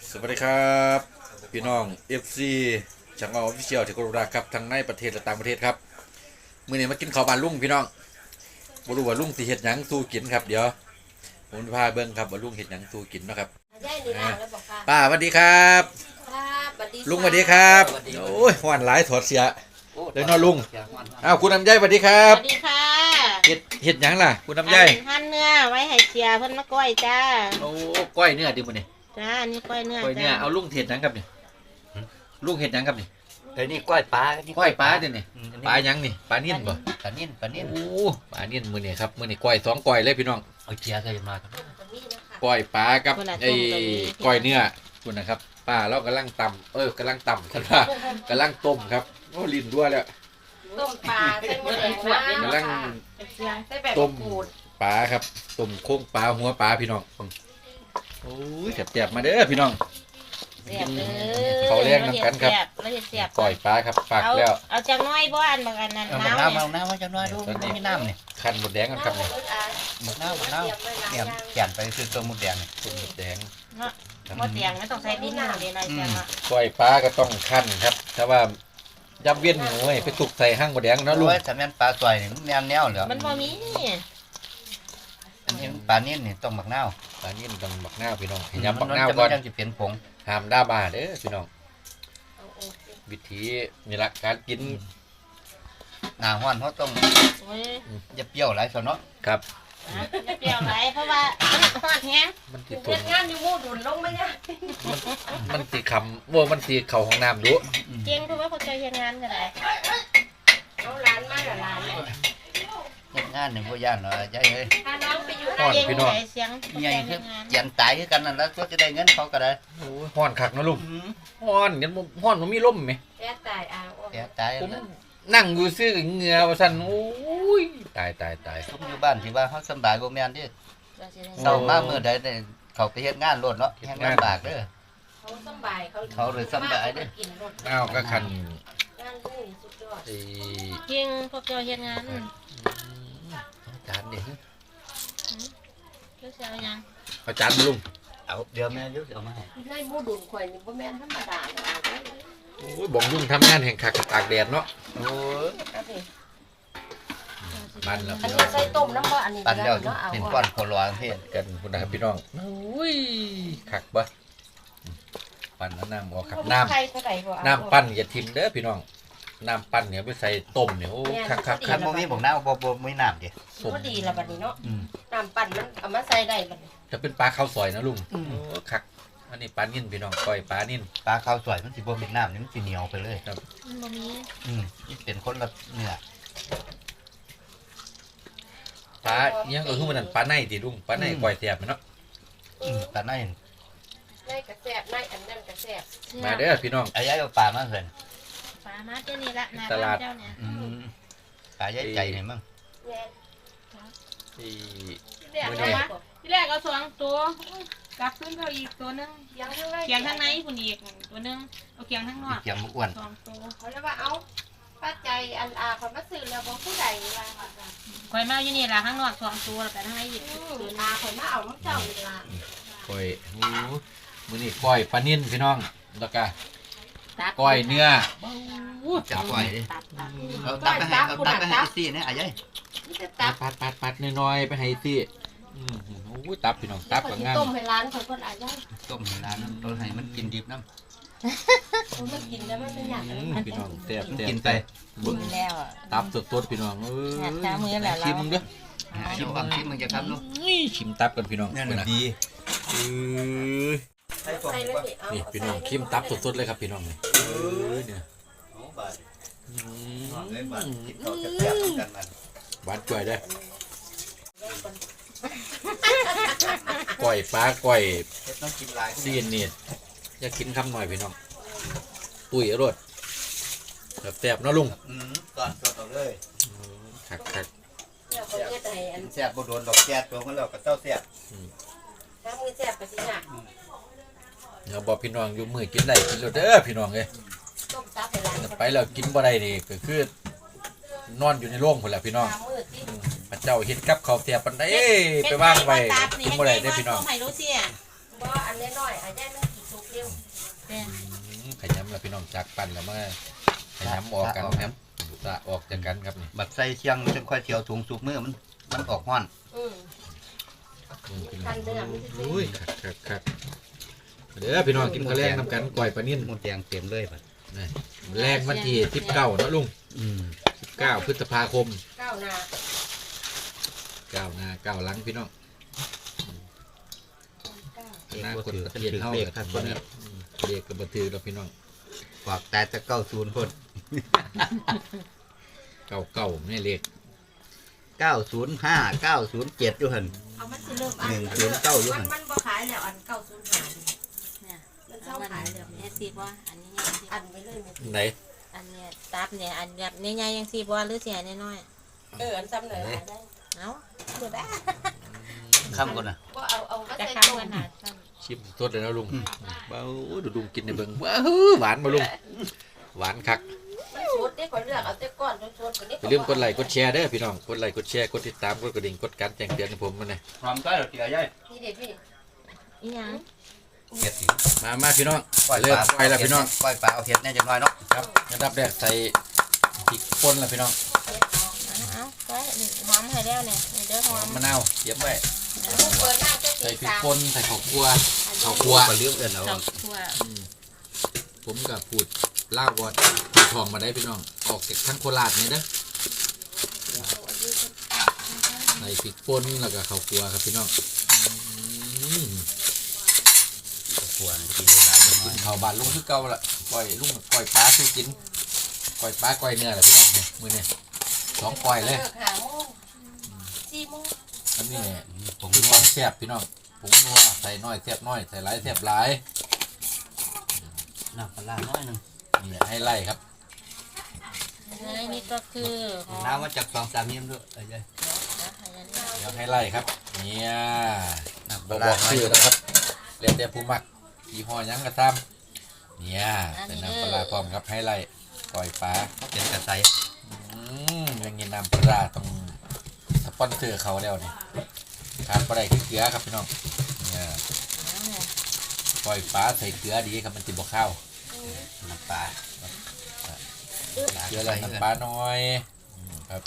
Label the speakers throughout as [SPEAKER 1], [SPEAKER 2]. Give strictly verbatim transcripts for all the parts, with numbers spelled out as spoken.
[SPEAKER 1] สวัสดีครับพี่น้อง เอฟ ซี ช่างออฟฟิเชียลที่กรุณาครับทั้งในประเทศและต่างประเทศครับมื้อนี้มากินข้าวบ้านลุงพี่น้องบ่รู้ว่าลุงสิเฮ็ดหยังสู้กินครับเดี๋ยวผมพาเบิ่งครับว่าลุงเฮ็ดหยังสู้กินเนาะครับป้าสวัสดีครับลุงสวัสดีครับโอ้ยฮ้อนหลายถอดเสียเดี๋ยวน้อลุงอ้าวคุณลำไยสวัสดีครับ
[SPEAKER 2] สวัสดีค่ะ
[SPEAKER 1] เฮ็ดเฮ็ดหยังล่ะคุณลำไย
[SPEAKER 2] หั่นเนื้อไว้ให้เสียเพิ่นมาก้อยจ้า
[SPEAKER 1] โอ้ก้อยเนื้อดิมื้อนี้
[SPEAKER 2] จ้านี่ก้อยเนื้อ
[SPEAKER 1] ก้อยเนื้อเอาลุงเฮ็ดหยังครับนี่ลุงเฮ็ดหยังครับนี่
[SPEAKER 3] เดี๋ยวนี้ก้อยปลา
[SPEAKER 1] ก้อยปลาเดี๋ยวนี้ปลาหยังนี่ปลานิ่นบ่
[SPEAKER 3] ปลานิ่นปลานิ่น
[SPEAKER 1] โอ้ปลานิ่นมื้อนี้ครับมื้อนี้ก้อยสองก้อยเลยพี่น้อง
[SPEAKER 3] เอาเจียใส่มาครับ
[SPEAKER 1] ก้อยปลากับไอ้ก้อยเนื้อคุณนะครับป้าเรากำลังตำเออกำลังตำครับว่ากำลังต้มครับโอ้ลิ้นด้วยแล้ว
[SPEAKER 2] ต้มปลาใส่หมูแดง
[SPEAKER 1] กำลังต้มปลาครับต้มโค้งปลาหัวปลาพี่น้องโอ้ยแซ่บๆมาเด้อพี่น้องเขาเลี้ยงน้ำกันครับก้อยปลาครับฝากแล้ว
[SPEAKER 2] เอาจังน้อยบ้านบางอันนั้น
[SPEAKER 3] น้ำน้ำน้ำน้ำว่าจังน้อยดูไม่น้ำนี่
[SPEAKER 1] คันหมดแดงกันครับนี่
[SPEAKER 3] หมดน้ำหมดน้ำเนี่ยแก่นไปคือตัวหมดแดง
[SPEAKER 1] ตัวหมดแดง
[SPEAKER 2] หมดแดงไม่ต้องใส่ดินหนาเลยนะจ๊ะ
[SPEAKER 1] ก้อยปลาก็ต้องคั่นครับแต่ว่ายับเวียนหมูไปตุกใส่ห้างหมดแดงนะลุง
[SPEAKER 3] แต่แม่นปลาสวยนี่แนวแนวเหรอ
[SPEAKER 2] มันพอมี
[SPEAKER 3] อันนี้ปลานิ่นนี่ต้องหมักเน่า
[SPEAKER 1] ปลานิ่นต้องหมักเน่าพี่น้องยำหมักเน่าก่อน
[SPEAKER 3] จะเปลี่ยนผง
[SPEAKER 1] ห้ามด่าบ้าเด้อพี่น้องวิธีนี่ละการกิน
[SPEAKER 3] หนาห้อนเขาต้องจะเปรี้ยวหลายส่วนเนาะ
[SPEAKER 1] ครับ
[SPEAKER 2] จะเปรี้ยวหลายเพราะว่าฮอดแฮง
[SPEAKER 1] มันติด
[SPEAKER 2] ตุ่นงานอยู่มู่ดุนลงไม่ยาก
[SPEAKER 1] มันติดคำว่ามันติดเข่าของน้ำดู
[SPEAKER 2] เก่งเพราะว่าเขาใจยังงานกันไหนเอาร้านมาหรือร้าน
[SPEAKER 3] เนี่ยงานหนึ่งพวกย่านเหรอใจเฮ้ย
[SPEAKER 2] ถ้าน้องไปอยู่ร้านเก่งไหนเสียง
[SPEAKER 3] ใหญ่คือเจียนตายคือกันนั่นแล้วก็จะได้เงินเขาก็ได้
[SPEAKER 1] โอ้ยห้อนคักนะลุงห้อนเงินห้อนมันมีล่มไหม
[SPEAKER 2] แก่ตายอ่ะ
[SPEAKER 3] แก่ตาย
[SPEAKER 1] ผมนั่งอยู่ซื้อเหงื่อว่าสั่นโอ้ยตายตายตาย
[SPEAKER 3] ผมอยู่บ้านที่ว่าเขาสบายบ่แม่นดิเศร้ามากเมื่อใดเนี่ยเขาไปเฮ็ดงานรถเนาะเฮ็ดงานบากเด้อ
[SPEAKER 2] เขาสบายเขา
[SPEAKER 3] เขาเลยสบายเด้อ
[SPEAKER 1] อ้าวก็คัน
[SPEAKER 2] เก่งพวกเจ้าเฮ็ดงาน
[SPEAKER 1] จานเด็ก
[SPEAKER 2] เลือกเสียยัง
[SPEAKER 1] เอาจานมาลุง
[SPEAKER 3] เอาเดี๋ยวแม่ยุเอามาให้
[SPEAKER 2] ให้หมูดุนข่อยนี่บ่แม่นธรรมดาเลย
[SPEAKER 1] โอ้ยบ่งลุงทำงานแห่งคักตากแดดเนาะ
[SPEAKER 3] โอ้ย
[SPEAKER 1] มันแล้ว
[SPEAKER 2] อันนี้ใส่ต้มน้ำบ่อันนี้
[SPEAKER 3] ปั่นแล้วเป็นก้อนโคลอนเฮ็ด
[SPEAKER 1] กันคุณนะครับพี่น้องโอ้ยคักบ่ปั่นน้ำออกครับน้ำน้ำปั่นอย่าทิ่มเด้อพี่น้องน้ำปั่นเนี่ยไปใส่ต้มเนี่ยโอ้คักคัก
[SPEAKER 3] คักบ่มีบ่น้ำบ่บ่มีน้ำดิ
[SPEAKER 2] ก็ดีละบัดนี้เนาะน้ำปั่นมันเอามาใส่ได้บัดนี้
[SPEAKER 1] จะเป็นปลาข้าวซอยนะลุงโอ้คักอันนี้ปลานิ่นพี่น้องก้อยปลานิ่น
[SPEAKER 3] ปลาข้าวสวยมันสิบ่มีน้ำนี่มันสิเหนียวไปเลย
[SPEAKER 1] ครับ
[SPEAKER 2] มันบ่มี
[SPEAKER 3] อืมเป็นคนละเนื้อ
[SPEAKER 1] ปลายังก็คือมันนั่นปลาในติลุงปลาในก้อยแซ่บเนาะ
[SPEAKER 3] อืมปลาใน
[SPEAKER 2] ในกระแซ่บในอันนั้นกระแซ่บ
[SPEAKER 1] มาเด้อพี่น้อง
[SPEAKER 3] อ้ายเอาปลามาเพิ่น
[SPEAKER 2] ปลามาเจ้านี่ละนา
[SPEAKER 1] ตลาด
[SPEAKER 3] อืมปลาใหญ่ใจนี่มั้ง
[SPEAKER 1] ที่
[SPEAKER 2] มื้อนี้ที่แรกเอาสองตัวกลับขึ้นเขาอีกตัวนึงเกียงข้างในคุณอีกตัวนึงเอาเกียงข้างนอก
[SPEAKER 3] เกียงอ้วน
[SPEAKER 2] สองตัวเขาเรียกว่าเอาป้าใจอันอาเขามาซื้อแล้วบอกผู้ใดว่าคอยมาอยู่นี่ละข้างนอกสองตัวแล้วแต่ข้างในอีกตัวนาคอยมาเอาน้ำเจ้าเวลา
[SPEAKER 1] ก้อยโอ้มื้อนี้ก้อยปลานิ่นพี่น้องแล้วก็ก้อยเนื้อ
[SPEAKER 3] จับก้อยดิเอาตับไปให้เอาตับไปให้ซี่เนี่ยอ้าย
[SPEAKER 1] ปัดปัดปัดปัดน้อยๆไปให้ซี่อืมโอ้ยตับพี่น้องตับกับงาน
[SPEAKER 2] ต้มให้ร้านเขาคนอายุ
[SPEAKER 3] ต้มให้ร้านเราให้มันกินดิบน้
[SPEAKER 2] ำมันกินแล้วมันเป็นอย่าง
[SPEAKER 1] นั้นพี่น้องแซ่บแซ่บ
[SPEAKER 3] กินไป
[SPEAKER 2] บุญแล้ว
[SPEAKER 1] ตับสดๆพี่น้องเออชิมมึงเด้อ
[SPEAKER 3] ชิมความชิมมึงจะทำลูก
[SPEAKER 1] นี่ชิมตับกันพี่น้อง
[SPEAKER 3] นี่ดี
[SPEAKER 1] เออนี่พี่น้องชิมตับสดๆเลยครับพี่น้องเนี่ยเออเนี่ยหวานจ่อยได้ก้อยปลาก้อยซีนนี่อยากกินคำหน่อยพี่น้องตุ๋ยอร่อยแบบแซ่บเนาะลุง
[SPEAKER 3] ก่อนก่อนเลย
[SPEAKER 1] คักคัก
[SPEAKER 3] แซ่บบุโดนดอกแซ่บตัวของเราก็เต้าแซ่บ
[SPEAKER 2] ถ้ามือแซ่บไปสิหนัก
[SPEAKER 1] เดี๋ยวบอกพี่น้องอยู่มือกินได้กินแล้วเด้อพี่น้องเลยไปแล้วกินบ่ได้นี่ก็คือนอนอยู่ในโรงคนแหละพี่น้องพระเจ้าเห็นกับเขาเสียปันได้ไปว่างไปกินบ่ได้ได้พี่น้อง
[SPEAKER 2] บ่อันน้อยๆอันนี้มันกี่สุกเร็วแป้ง
[SPEAKER 1] ขยำแล้วพี่น้องจากปั่นแล้วมาขยำออกกันครับสะออกจากกันครับนี่
[SPEAKER 3] บัดใส่เชียงจังค่อยเที่ยวถุงสุกมือมันมันออกห้อน
[SPEAKER 2] อืม
[SPEAKER 1] ทันเดือนอุ้ยคักคักคักเด้อพี่น้องกินข้าวแรงนำกันก่อยปลานิ่น
[SPEAKER 3] หมดแดงเต็มเลยบัด
[SPEAKER 1] นี่แรงวันที่สิบเก้าเนาะลุง
[SPEAKER 3] อืม
[SPEAKER 1] สิบเก้าพฤษภาคม
[SPEAKER 2] ก้าวหน้า
[SPEAKER 1] เก้าหน้าเก้าหลังพี่น้อง
[SPEAKER 3] เอก
[SPEAKER 1] หน้า
[SPEAKER 3] บ่
[SPEAKER 1] คน
[SPEAKER 3] ถือ
[SPEAKER 1] ตะ
[SPEAKER 3] กัน
[SPEAKER 1] เกียน
[SPEAKER 3] ถือ
[SPEAKER 1] เท่า
[SPEAKER 3] เลข
[SPEAKER 1] กับ
[SPEAKER 3] ครับ
[SPEAKER 1] ค
[SPEAKER 3] คน น
[SPEAKER 1] นี้
[SPEAKER 3] นี้
[SPEAKER 1] เรียกกับบัถือแล้วพี่น้อง
[SPEAKER 3] ฝากแต่จะเก้าศูนย์พ่น
[SPEAKER 1] เก้าเก้าไม่เรียก
[SPEAKER 3] เก้าศูนย์ห้าเก้าศูนย์เจ็ดอยู่หั่น
[SPEAKER 2] เอามันสิเริ่มอั
[SPEAKER 3] หนึ่งศูนย์เก้าอยู่
[SPEAKER 2] มั
[SPEAKER 3] หั่
[SPEAKER 2] น
[SPEAKER 3] น
[SPEAKER 2] มันบ่ขายแล้วอันเก้าศูนย์ห้าเนี่ย
[SPEAKER 4] เนี่ย
[SPEAKER 2] มัน
[SPEAKER 4] เอา
[SPEAKER 2] เช่า
[SPEAKER 4] มัน
[SPEAKER 2] ขายแล้ว
[SPEAKER 4] เนี่ยสิบ่อันนี้ยังสิ
[SPEAKER 2] อันไปเลยแม่
[SPEAKER 1] ไหน
[SPEAKER 4] อันเนี้ยตับเนี่ยอันแบบใหญ่ๆยังสิบ่หรือเสียน้อย
[SPEAKER 2] เอออันซ้ำหน่อยหาได้
[SPEAKER 4] ๆเอ้า
[SPEAKER 2] เดี๋ยวได้
[SPEAKER 3] ข้ามก่อนนะ
[SPEAKER 2] ว่าเอาเอามา
[SPEAKER 4] จะ
[SPEAKER 2] ใส่
[SPEAKER 4] ข้าม
[SPEAKER 2] ต้ม
[SPEAKER 4] กันหาซ้
[SPEAKER 1] ชิมสดเลยนะลุงเบ้าดูลุงกินในเบิ้งว้าวหวานมาลุงหวานคัก
[SPEAKER 2] มันสดได้กว่าเลือกเอาแต่ก้อนสดๆกว่านี้
[SPEAKER 1] อย่าลืมกดไลค์กดแชร์เด้อพี่น้องกดไลค์กดแชร์กดติดตามกดกระดิ่งกดการแจ้งเตือนให้ผมมาหน่อย
[SPEAKER 3] พร้อมก็เดี๋ยวใหญ่
[SPEAKER 2] นี่เด็ดพี่
[SPEAKER 4] ำอีหยัง
[SPEAKER 3] เห็ด
[SPEAKER 1] มามาพี่น้อง
[SPEAKER 3] ปล่อย
[SPEAKER 1] เริ่
[SPEAKER 3] ป
[SPEAKER 1] ม
[SPEAKER 3] ลา
[SPEAKER 1] ไปแล้วพี่น้อง
[SPEAKER 3] ปล่อยปลาเอาเห็ดแน่จังน้อยเนาะ
[SPEAKER 1] ครับอันดับแรกใส่พริกป่นแล้วพี่น้อง
[SPEAKER 4] เอ้าไปหอมให้แล้วเนี่ยเดี๋ยวห
[SPEAKER 1] ห
[SPEAKER 4] อ
[SPEAKER 1] อ
[SPEAKER 4] ม
[SPEAKER 1] มมะนาวเย็บไว้
[SPEAKER 2] ลูกเปิดหน้าจะ
[SPEAKER 1] ใส่
[SPEAKER 2] ตี
[SPEAKER 1] พริก
[SPEAKER 2] สาม
[SPEAKER 1] ป่นใส่ข้าวคั่วข้าว
[SPEAKER 3] กลั
[SPEAKER 1] คั่
[SPEAKER 3] ว
[SPEAKER 1] ว
[SPEAKER 3] ปลาเลี้ยงเอื่นเอา
[SPEAKER 4] ดอกทั่ว
[SPEAKER 1] ผมกับพูดเล่าววอดพูดทองมาได้พี่น้องออกจากทั้งโคราชนี่นะใส่พริกป่นแล้วก็ข้าวคั่วครับพี่น้องอืม
[SPEAKER 3] กลัวนะกินได้หลายจังน้
[SPEAKER 1] กิ
[SPEAKER 3] อย
[SPEAKER 1] นข้าวบานลุงคือเก่าละก้อยลุงก้อยปลาคือกินก้อยปลาก้อยเนื้อแหละพี่น้องเนี่ยมือเนี่ยสองก้อยเลย
[SPEAKER 2] ลิกหาโมงสี่โมง
[SPEAKER 1] อันนี้
[SPEAKER 3] ผม
[SPEAKER 1] คือ
[SPEAKER 3] นั
[SPEAKER 1] คว วามแซ่บพี่น้องผงนัวใส่น้อยแซ่บน้อยใส่หลายแซ่บหลาย
[SPEAKER 3] น้ำปลาร้าน้อยหนึง
[SPEAKER 1] นี่ให้ไล่ครับ
[SPEAKER 4] และนี่ก็คือหอม
[SPEAKER 3] น้ำมาจากสองสามเยี่ยมด้วยเอ้ย
[SPEAKER 1] เดี๋ยวให้ไล่ครับเนี่ย
[SPEAKER 3] น้ำป
[SPEAKER 1] บอ
[SPEAKER 3] ลาก ร้า
[SPEAKER 1] บอก
[SPEAKER 3] น้อย
[SPEAKER 1] ชื่อนะครับเรียกแต่ผู้มักยี่ห้อหยังก็ตามเนี่ยใส่น้ำปลาร้าพร้อมครับให้ไล่ก้อยปลา
[SPEAKER 3] เป็นกระใส
[SPEAKER 1] อืมอยังงี้น้ำปลาร้าต้องสปอนเซอร์เขาแล้วเนี่ยขาดปลาได้คือเกลือครับพี่น้องเนี่ยก้อยปลาใส่เกลือดีครับมันติดบ่ข้าว
[SPEAKER 3] น้ำปลา
[SPEAKER 1] เกลือแล้วน้ำปลาน้อยอืมครับ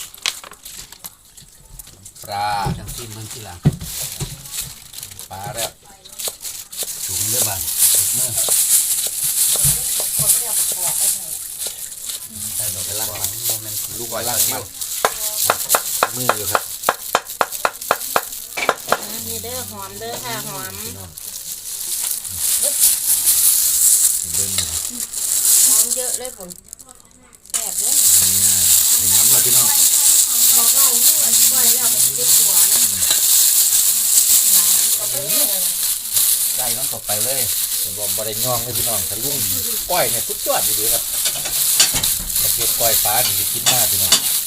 [SPEAKER 1] ปลา
[SPEAKER 3] จังซีมันที่หลัง
[SPEAKER 1] ปลาแล้ว
[SPEAKER 3] ถุงเลือดบางเมื่อ
[SPEAKER 2] คนไม่เอาประกอบไปไหน
[SPEAKER 3] ใส่ดอกกระลังมันโมเมนต์
[SPEAKER 1] ลูก
[SPEAKER 3] ปล่อย
[SPEAKER 1] ล่าง
[SPEAKER 3] เที่
[SPEAKER 1] มั
[SPEAKER 3] ยว
[SPEAKER 1] มืออยู่ครับ
[SPEAKER 4] นี่เด้อหอมเด้อค่ะหอม
[SPEAKER 1] พี่น้องเบิ่งอยู่
[SPEAKER 2] หอมเยอะเลยผมแสบเลย
[SPEAKER 1] เนี่ยใส่น้ำแล้วพี่น้อง
[SPEAKER 2] บอกเราลูกอันก้อยแล้วมันจะหัวนะก็ไปเลย
[SPEAKER 3] ได้มันก็ไปเลย
[SPEAKER 1] ผมบอกบริย่องเลยพี่น้องถ้าลุงก้อยเนี่ยสุดยอดดีๆครับประเภทก้อยปลานี่จะกินมากพี่น้อง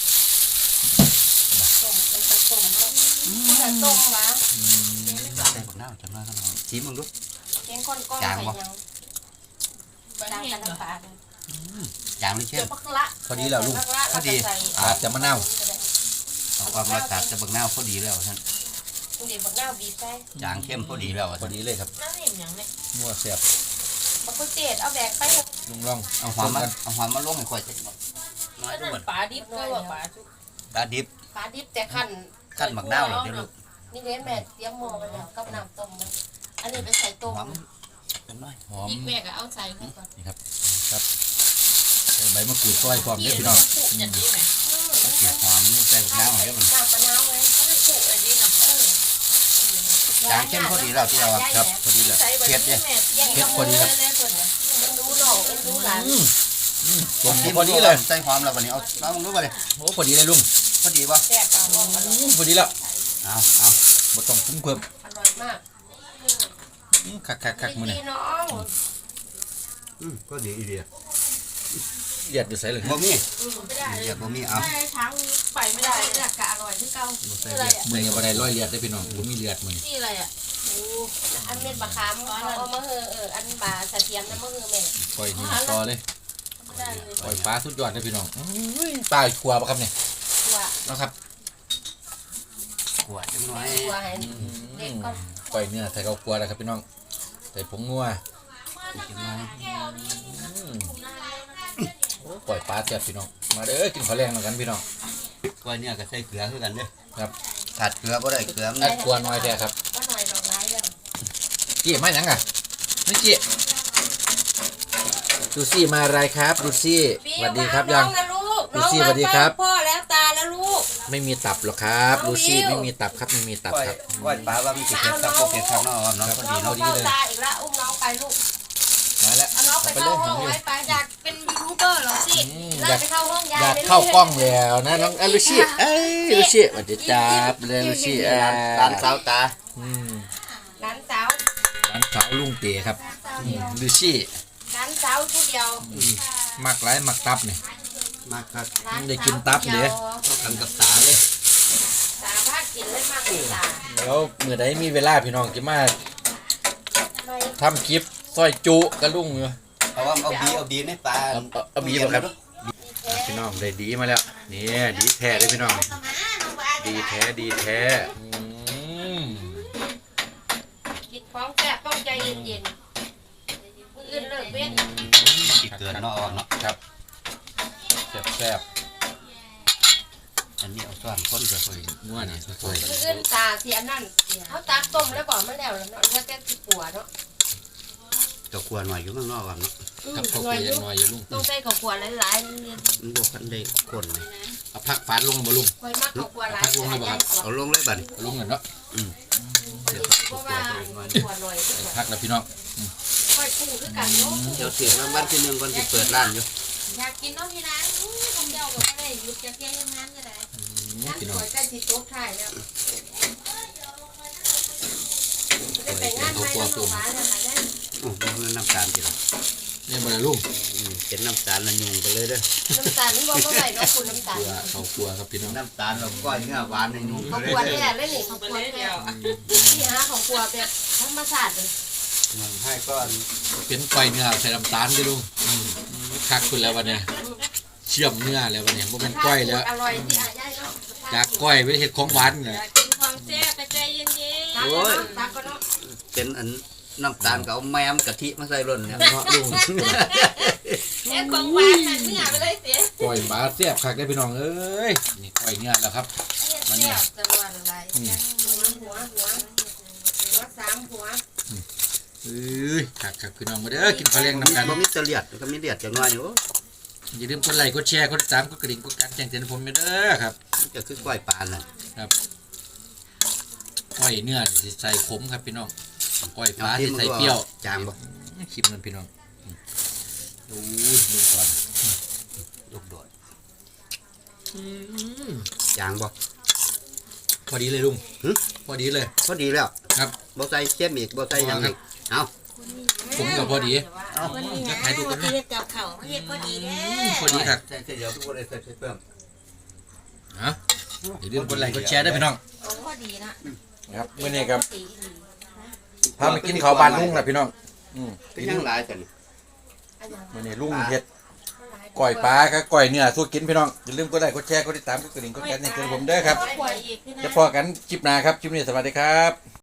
[SPEAKER 2] ต้มไปผสมแล้วผู้ใดต้มวะ
[SPEAKER 1] อืม
[SPEAKER 3] ใส่บักน้ำจังน้อยจังน้อยชิมมึงดู
[SPEAKER 2] เลี้ยงก้อนก้อน
[SPEAKER 3] จาง
[SPEAKER 2] ใส่
[SPEAKER 3] วะ
[SPEAKER 2] ยังจางกันน้ำปลาเลย
[SPEAKER 3] จางหรือ
[SPEAKER 2] เดี๋
[SPEAKER 3] เข้
[SPEAKER 2] ย
[SPEAKER 3] ม
[SPEAKER 2] วปักละ
[SPEAKER 1] พอดีแล้วลุง
[SPEAKER 2] ปักละแล้วก็ใส่
[SPEAKER 1] อาจจะมะนาว
[SPEAKER 3] เอาความมาตัดจะบักน้ำพอดีแล้วท่าน
[SPEAKER 2] เดี๋ยวบักนาวบีบใส่
[SPEAKER 3] จางเข้มพอดีแล้ว
[SPEAKER 1] พอ
[SPEAKER 3] ท่าน
[SPEAKER 1] ดีเลยครับ
[SPEAKER 2] น้ำนิ่มอย่างนี้
[SPEAKER 1] นัวแซ่บ
[SPEAKER 2] บักกุเจดเอาแบกไป
[SPEAKER 1] ลุงลอง
[SPEAKER 3] เอาหอมมาเอาหอมมาลงให้ค่อยใส่น้อยด้วย
[SPEAKER 2] ปลาดิบก็ว่าปลาชุบ
[SPEAKER 3] ตาดิบ
[SPEAKER 2] ปลาดิบแต่ขั้น
[SPEAKER 3] ขั้นบักน้ำเหรอเดี๋ยวลูก
[SPEAKER 2] นี่เลี้ยงแม่เตรียมหม้อไปแล้วกับน้ำต้มมันอันนี้ไปใส่ต้ม
[SPEAKER 3] หอมจังน้อย
[SPEAKER 1] หอม
[SPEAKER 2] อีกแม่ก็เอาใส่เข้าก่อน
[SPEAKER 1] นี่ครับครับใส่ใบมะกรูดซอยพร้อมเด้อพี่น้อง
[SPEAKER 2] อย่างนี้ไหม
[SPEAKER 3] เกี่ยวหอมนี่ใส่บักน้ำให้มัน
[SPEAKER 2] น้ำมะนาวไว้ถ้ามันสุกเลยดีนะเออ
[SPEAKER 3] จางเข้มพอดีแล้วที่เรา
[SPEAKER 1] ครับพอดีแล้ว
[SPEAKER 3] เผ็ดเนี่ย
[SPEAKER 1] เผ็ดพอดีครับ
[SPEAKER 2] มันดูหน่องมันดูหลาน
[SPEAKER 1] อืมอืมผ
[SPEAKER 3] ผม ม
[SPEAKER 1] พ
[SPEAKER 3] ที่
[SPEAKER 1] อ
[SPEAKER 3] พอ
[SPEAKER 1] ดี
[SPEAKER 3] ดี
[SPEAKER 1] เล
[SPEAKER 3] เลย ยใส่หอมแล้ววันนี้เอาน้ำมึงรู้ป่ะเนี่ย
[SPEAKER 1] โอ้พอดีเลยลุง
[SPEAKER 3] พอดีป่ะ
[SPEAKER 2] แซ่บปลาหม้ออร่อย
[SPEAKER 1] อืมพอดีแล้ว
[SPEAKER 3] เอาเอา
[SPEAKER 1] บ่ต้องปรุงเพิ่ม
[SPEAKER 2] อร่อยมาก
[SPEAKER 1] อืมคักคักคักมื้อนี้
[SPEAKER 2] ดีน้อง
[SPEAKER 3] อืมก็ดีอีเดีย
[SPEAKER 1] เลียดอยู่ใส่เลย
[SPEAKER 3] บ่มี
[SPEAKER 2] ไม่ได้
[SPEAKER 3] เดียบ่มีเอา
[SPEAKER 2] ไม่ได้ช้างไปไม่ได้เลือกกะอร่อยที่เก่า
[SPEAKER 3] บ่ใส่เดีย
[SPEAKER 1] มื้อนี้บ่ได้ร้อยเลียดได้อพี่น้องบ่มีเลียดมื้อนี้
[SPEAKER 4] นี่อะไรอ่ะ
[SPEAKER 2] อันเม็ดบะขามเขาเอามาเฮอเอออันบาสะเทียมน้ำมะเฮอแม่
[SPEAKER 1] ปล่อยนี่ต่อเลย
[SPEAKER 2] ไม่ได้เลย
[SPEAKER 1] ปล่อยปลาสุดยอดเลยพี่น้องอุ้ยปลาขัวปะครับเนี่ย
[SPEAKER 2] ตัว
[SPEAKER 1] นะครับ
[SPEAKER 3] ขวดจังน้อย
[SPEAKER 2] ตัวให้เด็กก่อน
[SPEAKER 1] ปล่อยเนื้อใส่ข้าวขัวแล้วครับพี่น้องใส่ผงนัวโอ้ปล่อยปลาแซ่บพี่น้องมาเด้อกินข้าวแรงเหมือนกันพี่น้อง
[SPEAKER 3] ก้อยเนี่ยก็ใส่เกลือคือกันเด้อ
[SPEAKER 1] ครับ
[SPEAKER 3] ขาดเกลือบ่ได้เกลือมัน
[SPEAKER 1] อัดกวนน้อยแท้ครับ
[SPEAKER 2] ก็หน่อยดอกไม้แล้ว
[SPEAKER 1] กี้มาหยังอ่ะไม่กี้ดูซี่มาอะไรครับดูซี่สวัสดีครับยัง
[SPEAKER 2] น้องนะลูก
[SPEAKER 1] ลูซี่สวัสดีครับ
[SPEAKER 2] พ่อแล้วตาแล้วลูก
[SPEAKER 1] ไม่มีตับหรอกครับดูซี่ไม่มีตับครับไม่มีตับ
[SPEAKER 3] ก้อย
[SPEAKER 1] ครับ
[SPEAKER 3] ก้อยปลาว่ามีเผ็ดครับบ่เผ็ดครับเนาะเนาะพอ
[SPEAKER 2] น้
[SPEAKER 3] ดี
[SPEAKER 2] อง
[SPEAKER 3] เนาะ
[SPEAKER 2] เข้าตาอีกแล้วอุ้มน้องไปลูก
[SPEAKER 1] มาแล้ว
[SPEAKER 2] เอาน้องไป
[SPEAKER 1] เอาไปเล
[SPEAKER 2] เข้าย ห้อง
[SPEAKER 1] หางอยู่
[SPEAKER 2] ไว้ไปอยากเป็นยูทูบเบอร์เหรอสิ
[SPEAKER 1] อืม
[SPEAKER 2] ไล่ไปเข้าห้องยาย
[SPEAKER 1] อยาก
[SPEAKER 2] ล
[SPEAKER 1] เข้ากล้องแล้วนะน้องเอ้ยลูซี่เอ้ยลูซี่สวัสดีจ้าเลยลูซี่อ่า
[SPEAKER 3] ร้านสาวตา
[SPEAKER 1] อืม
[SPEAKER 2] หลานสาว
[SPEAKER 1] ร้านสาวลุงเต๋ครับอืมลูซี่
[SPEAKER 2] หลานสาวผู้เดียว
[SPEAKER 1] มักไรมักตับเนี่ย
[SPEAKER 3] มากครับ
[SPEAKER 2] หลา
[SPEAKER 1] ได้กินตับเหรอ
[SPEAKER 3] เข้ากันกับตาเลย
[SPEAKER 2] สาวพากินเลยมากเลยตา
[SPEAKER 1] แล้วเมื่อใดมีเวลาพี่น้องจะมา
[SPEAKER 2] ไม่
[SPEAKER 1] ทำคลิปซอยจุกระลุงอยู่
[SPEAKER 3] เพราะว่าเอาบีเอาบีในปลา
[SPEAKER 1] เอาเอาเอาบีบ่ครับพี่น้องได้ดีมาแล้วนี่ดีแท้เลยพี่น้องดีแท้ดีแท้อืม
[SPEAKER 2] กินของแซ่บต้องใจเย็นๆมืออื่นเลิกเว้น
[SPEAKER 3] สิเกินเนาะออกเนาะ
[SPEAKER 1] ครับแซ่บแซ่บ
[SPEAKER 3] อันนี้เอาซ้อนคนก็ค่อย
[SPEAKER 1] ๆนัวนี่สวย
[SPEAKER 2] มืออื่นตาเสียนั่นเขาตักต้มแล้วก่อนมาแล้วแล้วเนาะแล้วแต่สิปัวเนาะ
[SPEAKER 3] ก็ควรหน่อยอยู่ข้างนอกก่อนเนาะ
[SPEAKER 2] อื
[SPEAKER 1] ๆ
[SPEAKER 2] ม
[SPEAKER 1] ครับข้าว
[SPEAKER 2] หน่
[SPEAKER 1] เก
[SPEAKER 2] อย
[SPEAKER 1] ลื
[SPEAKER 2] อ
[SPEAKER 1] อยู่ หน่อยอยู่ลุง
[SPEAKER 2] ต้องใส่ข้าวขัวหลายๆเนี่ย
[SPEAKER 3] มันบ่คันได้คนเลย
[SPEAKER 1] เอาผักฟาดลงมาลุง
[SPEAKER 2] คอยมักข้าวขัวหลาย
[SPEAKER 1] พักลงเลยบ่ครับ
[SPEAKER 3] เอาลงเลยบัดนี้
[SPEAKER 1] เอาลุงกันเนาะ
[SPEAKER 2] เพราะว่าขัวหน่อยที่สุด
[SPEAKER 1] พักแล้วพี่น้อง
[SPEAKER 2] ค่อยคู่คือกันเนาะ
[SPEAKER 3] เดี๋ยวเสียงรางวัลที่หนึ่งก่อนสิเปิดร้านอยู่
[SPEAKER 2] อยากกินเนาะพี่ร้านอู้คนเดียวก็ไม่ได้หยุดจะเที่ยงงานก็ได้
[SPEAKER 1] อืม
[SPEAKER 2] นั่น
[SPEAKER 1] พี่น้
[SPEAKER 2] ส
[SPEAKER 1] อง
[SPEAKER 2] วยใจสิโต๊ะถ่ายแล้วได้ไปงานไหมน้องหวานนะคะได้
[SPEAKER 3] โอ้มันน้ำตาลจิ๋ว
[SPEAKER 1] นี่บ่ได้ลุง
[SPEAKER 3] อืมเป็นน้ำตาลละยุงไปเลยเด้อ
[SPEAKER 2] น้ำตาลนี่บอกเมื่อไหร่เนาะคุณน้ำตาล
[SPEAKER 1] เกลือข้าวกลัวครับพี่น้อง
[SPEAKER 3] น้ำตาลเราก้อยเนื้อหวานละยุงไป
[SPEAKER 2] ข้าว
[SPEAKER 3] เลย
[SPEAKER 2] ขัว
[SPEAKER 3] เด้
[SPEAKER 2] นี่
[SPEAKER 3] อ
[SPEAKER 2] แหละเล่นนี่ข้าวขัวแค่ที่หาข้าวขัวแบบธรรมชาติเลย
[SPEAKER 3] มันให้ก้อน
[SPEAKER 1] เป็นก้อยเนื้อใส่น้ำตาลดิลุงอืมคักขึ้นแล้ววันเนี้ยเชื่อมเนื้อแล้ววันเนี้ยบ่แม่นก้อยแล้ว
[SPEAKER 2] อร่อยที่อาย่ายเนาะ
[SPEAKER 1] จากก้อยไปเฮ็ดของหวานเลย
[SPEAKER 2] กินของแซ่บไปใจเย็นๆตักเนาะตักก็เนาะ
[SPEAKER 3] เป็นอันน้ำตาลก็เอาแมมกะทิมาใส่ร่นเนี่ย
[SPEAKER 1] เนาะลุง
[SPEAKER 2] แค่ของหวานมันเนื้อไปเลยเสีย
[SPEAKER 1] ก้อยปลาแซ่บคักได้อพี่น้องเอ้ยนี่ก้อยเนื้อแล้วครับ
[SPEAKER 2] มันเนี่ยจะวันอะไรหัวหัวหัวหัวสามหัว
[SPEAKER 1] เอ้ยคักคักพี่น้องมาเด้อกินข้าวแรงนำกัน
[SPEAKER 3] บ่มีเสลียดก็มีเลียดจังน้อยอยู่
[SPEAKER 1] อย่าลืมกดไลค์กดแชร์กดติดตามกดกระดิ่งกดการแจ้งเตือนผมเด้อครับ
[SPEAKER 3] มันจะคือก้อยปลาน่ะ
[SPEAKER 1] ก้อยเนื้อสิใส่ขมครับพี่น้องก้อยปลาสิใส่เปรี้ยว
[SPEAKER 3] จางบ่
[SPEAKER 1] ชิมมันพี่น้องโอ้ยดูก่อน
[SPEAKER 3] ลูกโดดจางบ่
[SPEAKER 1] พอดีเลยลุง
[SPEAKER 3] หึ
[SPEAKER 1] พอดีเลย
[SPEAKER 3] พอดีแล้ว
[SPEAKER 1] ครับ
[SPEAKER 3] บ่ใส่เค็มอีกบ่ใส่หยังอีกเอา
[SPEAKER 1] ผมกับพอดี
[SPEAKER 3] เอา
[SPEAKER 4] วันนี้
[SPEAKER 1] จะ
[SPEAKER 4] นะ
[SPEAKER 1] ถ่ายดูกัน
[SPEAKER 4] ที่
[SPEAKER 1] นะ
[SPEAKER 4] เฮ็ดกับเขาวเฮ็ดพอดีเด้
[SPEAKER 1] พอดีครับ
[SPEAKER 3] ใส่เดี๋ยวทุกคนได้ใส่เพิ่ม
[SPEAKER 1] ฮะอย่าลืมกดไลค์กดแชร์ด้วยพี่น้อง
[SPEAKER 4] พอดีนะ
[SPEAKER 1] ครับมื่อนี้ครับพามากินข้าวบานลุงนะพี่น้องอืม
[SPEAKER 3] เป็นยังหลายกัน
[SPEAKER 1] มื่อนี้ลุงเฮ็ดก้อยปลากับก้อยเนื้อสู้กินพี่น้องอย่าลืมกดไลค์กดแชร์กดติดตามกดกระดิ่งกดการแจ้งเตือนผมเด้อครับ
[SPEAKER 2] หัวอีก
[SPEAKER 1] จะพอกันคลิปหน้าครับคลิปนี้สวัสดีครับ